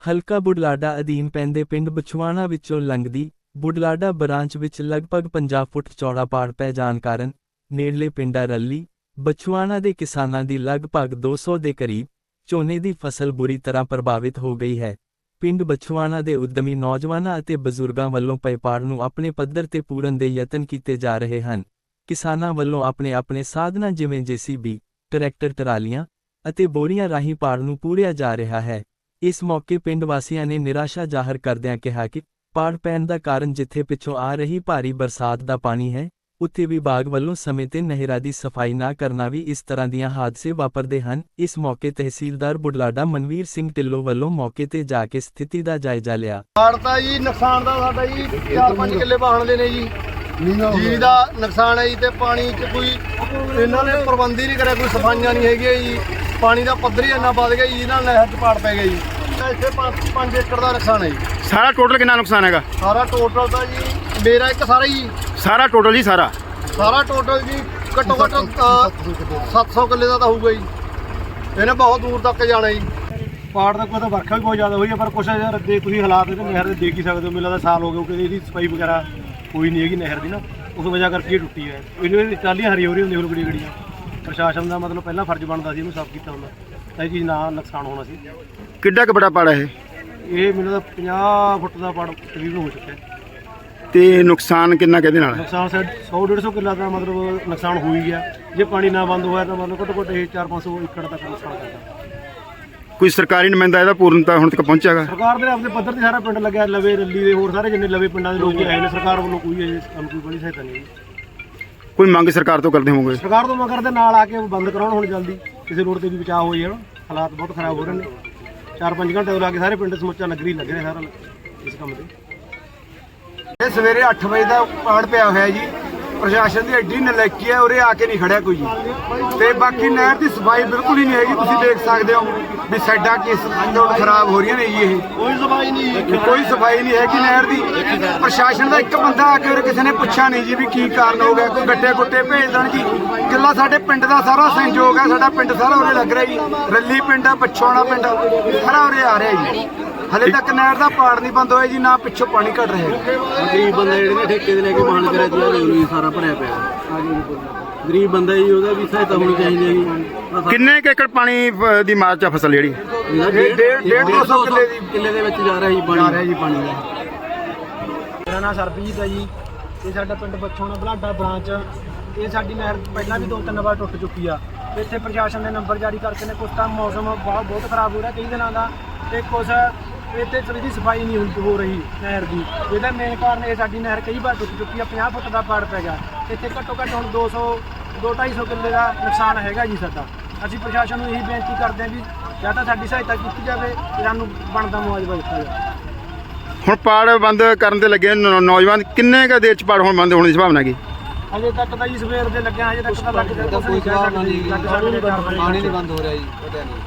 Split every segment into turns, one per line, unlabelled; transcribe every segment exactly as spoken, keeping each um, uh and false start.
ਹਲਕਾ ਬੁਢਲਾਡਾ ਅਧੀਨ ਪੈਂਦੇ ਪਿੰਡ ਬਛਵਾਣਾ ਵਿੱਚੋਂ ਲੰਘਦੀ ਬੁਢਲਾਡਾ ਬ੍ਰਾਂਚ ਵਿੱਚ ਲਗਭਗ ਪੰਜਾਹ ਫੁੱਟ ਚੌੜਾ ਪਾੜ ਪੈ ਜਾਣ ਕਾਰਨ ਨੇੜਲੇ ਪਿੰਡਾਂ ਰੱਲੀ, ਬਛਵਾਣਾ ਦੇ ਕਿਸਾਨਾਂ ਦੀ ਲਗਭਗ ਦੋ ਸੌ ਦੇ ਕਰੀਬ ਝੋਨੇ ਦੀ ਫਸਲ ਬੁਰੀ ਤਰ੍ਹਾਂ ਪ੍ਰਭਾਵਿਤ ਹੋ ਗਈ ਹੈ। ਪਿੰਡ ਬਛਵਾਣਾ ਦੇ ਉੱਦਮੀ ਨੌਜਵਾਨਾਂ ਅਤੇ ਬਜ਼ੁਰਗਾਂ ਵੱਲੋਂ ਪਏ ਪਾੜ ਨੂੰ ਆਪਣੇ ਪੱਧਰ ਤੇ ਪੂਰਨ ਦੇ ਯਤਨ ਕੀਤੇ ਜਾ ਰਹੇ ਹਨ। ਕਿਸਾਨਾਂ ਵੱਲੋਂ ਆਪਣੇ ਆਪਣੇ ਸਾਧਨਾਂ ਜਿਵੇਂ ਜੇਸੀਬੀ, ਟਰੈਕਟਰ ਟਰਾਲੀਆਂ ਅਤੇ ਬੋਰੀਆਂ ਰਾਹੀਂ ਪਾੜ ਨੂੰ ਪੂਰਿਆ ਜਾ ਰਿਹਾ ਹੈ। ਇਸ ਮੌਕੇ ਪਿੰਡ ਵਾਸੀਆਂ ਨੇ ਨਿਰਾਸ਼ਾ ਜ਼ਾਹਰ ਕਰਦਿਆਂ ਕਿਹਾ ਕਿ ਪਾੜ ਪੈਣ ਦਾ ਕਾਰਨ ਜਿੱਥੇ ਪਿੱਛੋਂ ਆ ਰਹੀ ਭਾਰੀ ਬਰਸਾਤ ਦਾ ਪਾਣੀ ਹੈ, ਉੱਥੇ ਵਿਭਾਗ ਵੱਲੋਂ ਸਮੇਂ ਤੇ ਨਹਿਰਾਂ ਦੀ ਸਫਾਈ ਨਾ ਕਰਨਾ ਵੀ ਇਸ ਤਰ੍ਹਾਂ ਦੀਆਂ ਹਾਦਸੇ ਵਾਪਰਦੇ ਹਨ। ਇਸ ਮੌਕੇ ਤਹਿਸੀਲਦਾਰ ਬੁਢਲਾਡਾ ਮਨਵੀਰ ਸਿੰਘ ਢਿੱਲੋਂ ਵੱਲੋਂ ਮੌਕੇ ਤੇ ਜਾ ਕੇ ਸਥਿਤੀ ਦਾ ਜਾਇਜ਼ਾ ਲਿਆ।
ਪਾੜ ਤਾਂ ਜੀ ਨੁਕਸਾਨ ਦਾ ਸਾਡਾ ਜੀ ਚਾਰ ਪੰਜ ਕਿੱਲੇ ਵਾਹਣ ਦੇ ਨੇ ਜੀ ਜੀ ਦਾ ਨੁਕਸਾਨ ਹੈ ਜੀ। ਤੇ ਪਾਣੀ 'ਚ ਕੋਈ ਇਹਨਾਂ ਨੇ ਪ੍ਰਬੰਧ ਹੀ ਨਹੀਂ ਕਰਿਆ, ਕੋਈ ਸਫਾਈਆਂ ਨਹੀਂ ਹੈਗੀਆਂ ਜੀ। ਪਾਣੀ ਦਾ ਪੱਧਰ ਹੀ ਇੰਨਾ ਵੱਧ ਗਿਆ ਜੀ, ਇਹਨਾਂ ਨਹਿਰ 'ਚ ਪਾੜ ਪੈ ਗਿਆ ਜੀ। ਇੱਥੇ ਪੰਜ ਏਕੜ ਦਾ ਨੁਕਸਾਨ ਹੈ ਜੀ।
ਸਾਰਾ ਟੋਟਲ ਕਿੰਨਾ ਨੁਕਸਾਨ ਹੈਗਾ?
ਸਾਰਾ ਟੋਟਲ ਤਾਂ ਜੀ ਮੇਰਾ ਇੱਕ ਸਾਰਾ ਜੀ
ਸਾਰਾ ਟੋਟਲ ਜੀ ਸਾਰਾ
ਸਾਰਾ ਟੋਟਲ ਜੀ ਘੱਟੋ ਘੱਟ ਸੱਤ ਸੌ ਕਿੱਲੇ ਦਾ ਤਾਂ ਹੋਊਗਾ ਜੀ। ਇਹਨੇ ਬਹੁਤ ਦੂਰ ਤੱਕ ਜਾਣਾ ਜੀ। ਪਾੜ ਦਾ ਕੋਈ ਤਾਂ ਵਰਖਾ ਵੀ ਬਹੁਤ ਜ਼ਿਆਦਾ ਹੋਈ ਹੈ, ਪਰ ਕੁਛ ਯਾਰ ਦੇ ਤੁਸੀਂ ਹਾਲਾਤ ਇਹਦੇ ਨਹਿਰ ਦੇ ਦੇਖ ਹੀ ਸਕਦੇ ਹੋ। ਮੈਨੂੰ ਲੱਗਦਾ ਸਾਲ ਹੋ ਗਿਆ ਕਿ ਇਹਦੀ ਸਫਾਈ ਵਗੈਰਾ ਕੋਈ ਨਹੀਂ ਹੈਗੀ ਨਹਿਰ ਦੀ ਨਾ, ਉਸ ਵਜ੍ਹਾ ਕਰਕੇ ਇਹ ਟੁੱਟੀ ਹੈ। ਇਹਨੂੰ ਟਾਲੀਆਂ ਹਰੀ ਹੋ ਰਹੀ ਹੁੰਦੀ ਹੋਰ ਬੜੀ ਗੜੀਆਂ। ਪ੍ਰਸ਼ਾਸਨ ਦਾ ਮਤਲਬ ਪਹਿਲਾਂ ਫਰਜ਼ ਬਣਦਾ ਸੀ ਇਹਨੂੰ ਸਾਫ਼ ਕੀਤਾ ਹੁੰਦਾ ਤਾਂ ਇਹ ਚੀਜ਼ ਨਾ ਨੁਕਸਾਨ ਹੋਣਾ ਸੀ।
ਕਿੱਡਾ ਕੁ ਬੜਾ ਪਾੜ ਹੈ ਇਹ?
ਇਹ ਮੈਨੂੰ ਤਾਂ ਪੰਜਾਹ ਫੁੱਟ ਦਾ ਪਾੜ ਤਕਰੀਬਨ ਹੋ ਚੁੱਕਿਆ।
ਤੇ ਨੁਕਸਾਨ ਕਿੰਨਾ ਕਿਹਦੇ ਨਾਲ?
ਨੁਕਸਾਨ ਸੌ ਡੇਢ ਸੌ ਕਿੱਲਾ ਦਾ ਮਤਲਬ ਨੁਕਸਾਨ ਹੋ ਹੀ ਗਿਆ। ਜੇ ਪਾਣੀ ਨਾ ਬੰਦ ਹੋਇਆ ਤਾਂ ਮਤਲਬ ਘੱਟੋ ਘੱਟ ਇਹ ਚਾਰ ਪੰਜ ਸੌ ਏਕੜ ਤੱਕ ਨੁਕਸਾਨ ਕਰਦਾ।
ਕੋਈ ਸਰਕਾਰੀ ਨੁਮਾਇੰਦਾ ਇਹਦਾ ਪੂਰਨਤਾ ਹੁਣ ਤੱਕ ਪਹੁੰਚਿਆਗਾ?
ਸਰਕਾਰ ਦੇ ਆਪਣੇ ਪੱਧਰ ਤੇ ਸਾਰਾ ਪਿੰਡ ਲੱਗਿਆ, ਲਵੇ ਰੱਲੀ ਦੇ ਹੋਰ ਸਾਰੇ ਜਿੰਨੇ ਲਵੇ ਪਿੰਡਾਂ ਦੇ ਲੋਕ ਆਏ ਨੇ। ਸਰਕਾਰ ਵੱਲੋਂ ਕੋਈ ਇਹ ਕੰਮ ਕੋਈ ਬੜੀ ਸਹਾਇਤਾ ਨਹੀਂ।
ਕੋਈ ਮੰਗ ਸਰਕਾਰ ਤੋਂ ਕਰਦੇ ਹੋਵੋਗੇ?
ਸਰਕਾਰ ਤੋਂ ਮੰਗ ਕਰਦੇ ਨਾਲ ਆ ਕੇ ਬੰਦ ਕਰਾਉਣ ਹੁਣ ਜਲਦੀ, ਕਿਸੇ ਰੋਡ ਤੇ ਵੀ ਬਚਾਅ ਹੋ ਜਾਣ। ਹਾਲਾਤ ਬਹੁਤ ਖਰਾਬ ਹੋ ਰਹੇ ਨੇ। ਚਾਰ ਪੰਜ ਘੰਟੇ ਲਾ ਕੇ ਸਾਰੇ ਪਿੰਡ ਸਮੁੱਚਾ ਨਗਰੀ ਲੱਗ ਰਿਹਾ ਸਾਰਾ ਇਸ ਕੰਮ ਤੇ। ਇਹ ਸਵੇਰੇ ਅੱਠ ਵਜੇ ਦਾ ਪਾੜ ਪਿਆ ਹੋਇਆ ਜੀ। ਪ੍ਰਸ਼ਾਸਨ ਦੀ ਐਡੀ ਨਲਾਇਕੀ ਹੈ, ਉਰੇ ਆ ਕੇ ਨਹੀਂ ਖੜਿਆ ਕੋਈ ਜੀ। ਤੇ ਬਾਕੀ ਨਹਿਰ ਦੀ ਸਫਾਈ ਬਿਲਕੁਲ ਹੀ ਨਹੀਂ ਹੈਗੀ। ਤੁਸੀਂ ਦੇਖ ਸਕਦੇ ਹੋ ਵੀ ਸਾਡਾ ਕਿਸ ਤਰ੍ਹਾਂ ਖਰਾਬ ਹੋ ਰਹੀਆਂ ਨੇ ਜੀ। ਇਹ ਕੋਈ ਸਫਾਈ ਨਹੀਂ ਕੋਈ ਸਫਾਈ ਨਹੀਂ ਹੈਗੀ ਨਹਿਰ ਦੀ। ਪ੍ਰਸ਼ਾਸਨ ਦਾ ਇੱਕ ਬੰਦਾ ਆ ਕੇ ਉਰੇ ਕਿਸੇ ਨੇ ਪੁੱਛਿਆ ਨਹੀਂ ਜੀ ਵੀ ਕੀ ਕਾਰਨ ਹੋ ਗਿਆ। ਕੋਈ ਗੱਡੇ ਗੁੱਟੇ ਭੇਜ ਦੇਣ ਜੀ। ਕਿੱਲਾ ਸਾਡੇ ਪਿੰਡ ਦਾ ਸਾਰਾ ਸਹਿਯੋਗ ਹੈ। ਸਾਡਾ ਪਿੰਡ ਸਾਰਾ ਉਰੇ ਲੱਗ ਰਿਹਾ ਜੀ। ਰੱਲੀ ਪਿੰਡ ਆ, ਬਛਵਾਣਾ ਪਿੰਡ ਸਾਰਾ ਉਰੇ ਆ ਰਿਹਾ ਜੀ। ਹਲੇ ਤੱਕ ਨਹਿਰ ਦਾ ਪਾੜ ਨਹੀਂ ਬੰਦ ਹੋਇਆ ਜੀ, ਨਾ ਪਿੱਛੋਂ ਪਾਣੀ ਘਟ ਰਿਹਾ।
ਗਰੀਬ ਬੰਦਾ ਜਿਹੜੇ ਨੇ ਠੇਕੇ ਦੇ ਲੈ ਕੇ ਮਾਣ ਕਰਿਆ ਜੀ, ਸਾਰਾ ਭਰਿਆ ਪਿਆ। ਗਰੀਬ ਬੰਦਾ ਜੀ, ਉਹਦਾ ਵੀ ਸਹਾਇਤਾ ਹੋਣੀ ਚਾਹੀਦੀ ਹੈ ਜੀ।
ਕਿੰਨੇ ਕੁ ਏਕੜ ਪਾਣੀ ਦੀ ਮਾਰ ਚ ਫਸਲ ਜਿਹੜੀ?
ਡੇਢ ਦੋ ਸੌ ਕਿੱਲੇ ਦੀ
ਕਿੱਲੇ ਦੇ ਵਿੱਚ ਜਾ ਰਿਹਾ ਜੀ ਪਾਣੀ।
ਜਾ ਰਿਹਾ ਜੀ ਪਾਣੀ ਦਾ। ਮੇਰਾ ਨਾਮ ਸਰਬਜੀਤ ਹੈ ਜੀ। ਇਹ ਸਾਡਾ ਪਿੰਡ ਬਛਵਾਣਾ ਬੁਢਲਾਡਾ ਬ੍ਰਾਂਚ। ਇਹ ਸਾਡੀ ਨਹਿਰ ਪਹਿਲਾਂ ਵੀ ਦੋ ਤਿੰਨ ਵਾਰ ਟੁੱਟ ਚੁੱਕੀ ਆ। ਇੱਥੇ ਪ੍ਰਸ਼ਾਸਨ ਨੇ ਨੰਬਰ ਜਾਰੀ ਕਰਕੇ ਨੇ। ਕੁਛ ਤਾਂ ਮੌਸਮ ਬਹੁਤ ਬਹੁਤ ਖਰਾਬ ਹੋ ਰਿਹਾ ਕਈ ਦਿਨਾਂ ਦਾ, ਤੇ ਕੁਛ ਇੱਥੇ ਥੋੜ੍ਹੀ ਜਿਹੀ ਸਫਾਈ ਨਹੀਂ ਹੁੰਦੀ ਹੋ ਰਹੀ ਨਹਿਰ ਦੀ। ਇਹਦਾ ਮੇਨ ਕਾਰਨ ਇਹ ਸਾਡੀ ਨਹਿਰ ਕਈ ਵਾਰ ਟੁੱਟ ਚੁੱਕੀ ਆ। ਪੰਜਾਹ ਫੁੱਟ ਦਾ ਪਾੜ ਪੈ ਗਿਆ। ਇੱਥੇ ਘੱਟੋ ਘੱਟ ਹੁਣ ਦੋ ਸੌ ਦੋ ਢਾਈ ਸੌ ਕਿੱਲੇ ਦਾ ਨੁਕਸਾਨ ਹੈਗਾ ਜੀ ਸਾਡਾ। ਅਸੀਂ ਪ੍ਰਸ਼ਾਸਨ ਨੂੰ ਇਹੀ ਬੇਨਤੀ ਕਰਦੇ ਹਾਂ ਵੀ ਜਾਂ ਤਾਂ ਸਾਡੀ ਸਹਾਇਤਾ ਕੀਤੀ ਜਾਵੇ ਤੇ ਸਾਨੂੰ ਬਣਦਾ ਮੁਆਵਜ਼ਾ ਦਿੱਤਾ ਜਾਵੇ।
ਹੁਣ ਪਾੜ ਬੰਦ ਕਰਨ ਦੇ ਲੱਗੇ ਨੌਜਵਾਨ, ਕਿੰਨੇ ਕੁ ਦੇਰ ਚ ਪਾੜ ਹੁਣ ਬੰਦ ਹੋਣ ਦੀ ਸੰਭਾਵਨਾ ਹੈਗੀ?
ਅਜੇ ਤੱਕ ਤਾਂ ਜੀ ਸਵੇਰ ਦੇ ਲੱਗਿਆ, ਅਜੇ ਤੱਕ ਤਾਂ ਲੱਗ ਜਾਂਦਾ
ਕੋਈ ਜਵਾਬ ਨਹੀਂ, ਪਾਣੀ ਨਹੀਂ ਬੰਦ ਹੋ ਰਿਹਾ ਜੀ। ਪਤਾ ਨਹੀਂ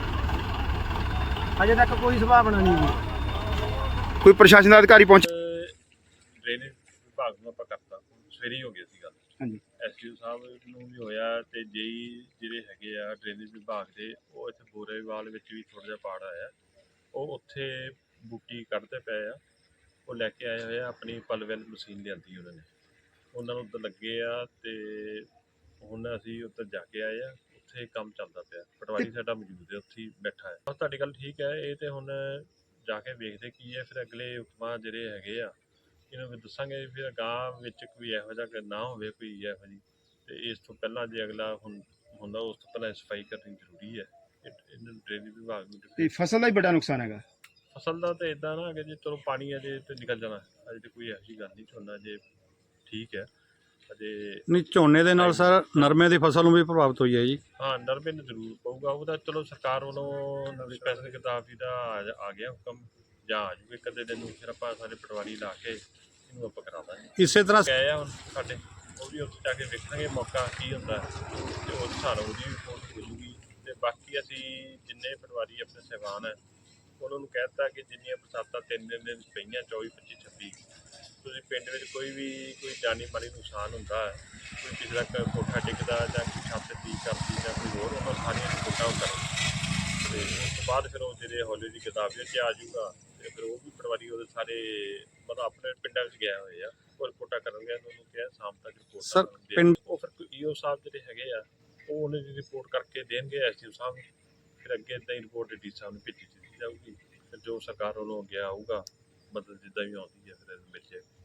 ਅਜੇ ਤੱਕ ਕੋਈ ਸੰਭਾਵਨਾ ਨਹੀਂ ਜੀ।
ਕੋਈ ਪ੍ਰਸ਼ਾਸਨ ਦਾ ਅਧਿਕਾਰੀ ਪਹੁੰਚ?
ਡਰੇਨੇਜ ਵਿਭਾਗ ਨੂੰ ਆਪਾਂ ਕਰਤਾ, ਸਵੇਰੇ ਹੀ ਹੋ ਗਿਆ ਸੀ ਗੱਲ।
ਹਾਂਜੀ,
ਐਸਡੀਓ ਸਾਹਿਬ ਨੂੰ ਵੀ ਹੋਇਆ ਤੇ ਜੇਈ ਜਿਹੜੇ ਹੈਗੇ ਆ ਡਰੇਨੇਜ ਵਿਭਾਗ ਦੇ, ਉਹ ਇੱਥੇ ਬੋਰੇਵਾਲ ਵਿੱਚ ਵੀ ਥੋੜ੍ਹਾ ਜਿਹਾ ਪਾੜ ਆਇਆ। ਉਹ ਉੱਥੇ ਬੂਟੀ ਕੱਢਦੇ ਪਏ ਆ। ਉਹ ਲੈ ਕੇ ਆਏ ਹੋਏ ਆ, ਆਪਣੀ ਪਲਵੈਲ ਮਸ਼ੀਨ ਲਿਆਂਦੀ ਉਹਨਾਂ ਨੇ, ਉਹਨਾਂ ਨੂੰ ਉੱਧਰ ਲੱਗੇ ਆ। ਤੇ ਹੁਣ ਅਸੀਂ ਉੱਧਰ ਜਾ ਕੇ ਆਏ ਆ। ਉੱਥੇ ਕੰਮ ਚੱਲਦਾ ਪਿਆ। ਪਟਵਾਰੀ ਸਾਡਾ ਮੌਜੂਦ ਹੈ, ਉੱਥੇ ਹੀ ਬੈਠਾ ਹੈ। ਬਸ ਤੁਹਾਡੀ ਗੱਲ ਠੀਕ ਹੈ। ਇਹ ਤੇ ਹੁਣ ਜਾ ਕੇ ਵੇਖਦੇ ਕੀ ਹੈ। ਫਿਰ ਅਗਲੇ ਹੁਕਮਾਂ ਜਿਹੜੇ ਹੈਗੇ ਆ ਇਹਨਾਂ ਨੂੰ ਦੱਸਾਂਗੇ। ਫਿਰ ਅਗਾਂਹ ਵਿੱਚ ਕੋਈ ਇਹੋ ਜਿਹਾ ਨਾ ਹੋਵੇ, ਕੋਈ ਇਹੋ ਜਿਹੀ। ਤੇ ਇਸ ਤੋਂ ਪਹਿਲਾਂ ਜੇ ਅਗਲਾ ਹੁਣ ਹੁੰਦਾ, ਉਸ ਤੋਂ ਪਹਿਲਾਂ ਸਫਾਈ ਕਰਨੀ ਜ਼ਰੂਰੀ ਹੈ। ਇਹਨਾਂ ਨੂੰ ਡਰੇਨੇਜ ਵਿਭਾਗ ਨੂੰ।
ਤੇ ਫਸਲ ਦਾ ਹੀ ਬੜਾ ਨੁਕਸਾਨ ਹੈਗਾ।
ਫਸਲ ਦਾ ਤਾਂ ਇੱਦਾਂ ਨਾ ਕਿ ਜੇ ਚਲੋ ਪਾਣੀ ਅਜੇ ਤੇ ਨਿਕਲ ਜਾਣਾ, ਅਜੇ ਤਾਂ ਕੋਈ ਇਹੋ ਜਿਹੀ ਗੱਲ ਨਹੀਂ। ਝੋਨਾ ਜੇ ਠੀਕ ਹੈ ਅਜੇ
ਨਹੀਂ। ਝੋਨੇ ਦੇ ਨਾਲ ਸਰ ਨਰਮੇ ਦੀ ਫਸਲ ਨੂੰ ਵੀ ਪ੍ਰਭਾਵਿਤ ਹੋਈ ਹੈ ਜੀ।
ਹਾਂ, ਨਰਮੇ ਨੂੰ ਜ਼ਰੂਰ ਪਊਗਾ। ਉਹਦਾ ਚਲੋ ਸਰਕਾਰ ਵੱਲੋਂ ਨਵੀਂ ਸਪੈਸ਼ਲ ਕਿਤਾਬੀ ਦਾ ਆ ਗਿਆ ਹੁਕਮ, ਜਾਂ ਆ ਜੂਗੇ ਕਦੇ ਦਿਨ ਨੂੰ। ਫਿਰ ਆਪਾਂ ਸਾਰੇ ਪਟਵਾਰੀ ਲਾ ਕੇ ਇਹਨੂੰ ਆਪਾਂ ਕਰਾ ਦਾਂਗੇ।
ਇਸੇ ਤਰ੍ਹਾਂ
ਗਏ ਆ ਹੁਣ ਸਾਡੇ, ਉਹ ਵੀ ਉੱਥੇ ਜਾ ਕੇ ਵੇਖਾਂਗੇ ਮੌਕਾ ਕੀ ਹੁੰਦਾ ਤੇ ਉਸ ਹਿਸਾਬ ਨਾਲ ਉਹਦੀ ਰਿਪੋਰਟ ਹੋ ਜੂਗੀ। ਤੇ ਬਾਕੀ ਅਸੀਂ ਜਿੰਨੇ ਪਟਵਾਰੀ ਆਪਣੇ ਸਹਿਬਾਨ ਹੈ ਉਹਨਾਂ ਨੂੰ ਕਹਿ ਦਿੱਤਾ ਕਿ ਜਿੰਨੀਆਂ ਬਰਸਾਤਾਂ ਤਿੰਨ ਦਿਨ ਦੇ ਵਿੱਚ ਪਈਆਂ, ਚੌਵੀ ਪੱਚੀ ਛੱਬੀ, ਤੁਸੀਂ ਪਿੰਡ ਵਿੱਚ ਕੋਈ ਵੀ ਕੋਈ ਜਾਨੀ ਮਾਲੀ ਨੁਕਸਾਨ ਹੁੰਦਾ ਹੈ, ਕੋਈ ਕਿਸੇ ਦਾ ਕੋਠਾ ਡਿੱਗਦਾ ਜਾਂ ਕੋਈ ਛੱਤ ਠੀਕ ਕਰਦੀ ਜਾਂ ਕੋਈ ਹੋਰ, ਉਹਨਾਂ ਸਾਰੀਆਂ ਰਿਪੋਰਟਾਂ ਉਹ ਕਰੋ। ਤੇ ਉਸ ਤੋਂ ਬਾਅਦ ਫਿਰ ਉਹ ਜਿਹੜੇ ਹੌਲੀ ਦੀ ਕਿਤਾਬ ਵਿੱਚ ਆ ਜਾਊਗਾ ਤੇ ਫਿਰ ਉਹ ਵੀ ਪਟਵਾਰੀ ਉਹਦੇ ਸਾਰੇ ਮਤਲਬ ਆਪਣੇ ਪਿੰਡਾਂ ਵਿੱਚ ਗਏ ਹੋਏ ਆ ਉਹ ਰਿਪੋਰਟਾਂ ਕਰਨਗੇ ਉਹਨੂੰ ਕਿਹਾ ਸ਼ਾਮ ਤੱਕ ਰਿਪੋਰਟ
Sir, ਪਿੰਡ-
ਉਹ ਫਿਰ ਈਓ ਸਾਹਿਬ ਜਿਹੜੇ ਹੈਗੇ ਆ ਉਹ ਉਹਨਾਂ ਦੀ ਰਿਪੋਰਟ ਕਰਕੇ ਦੇਣਗੇ ਐਸਡੀਓ ਸਾਹਿਬ ਨੂੰ ਫਿਰ ਅੱਗੇ ਇੱਦਾਂ ਹੀ ਰਿਪੋਰਟ ਡੀ ਸਾਹਿਬ ਨੂੰ ਭੇਜੀ ਦਿੱਤੀ ਜਾਊਗੀ ਫਿਰ ਜੋ ਸਰਕਾਰ ਵੱਲੋਂ ਅੱਗੇ ਆਊਗਾ ਮਤਲਬ ਜਿੱਦਾਂ ਵੀ ਆਉਂਦੀ ਹੈ ਫਿਰ ਮਿਲ ਜਾਏਗਾ।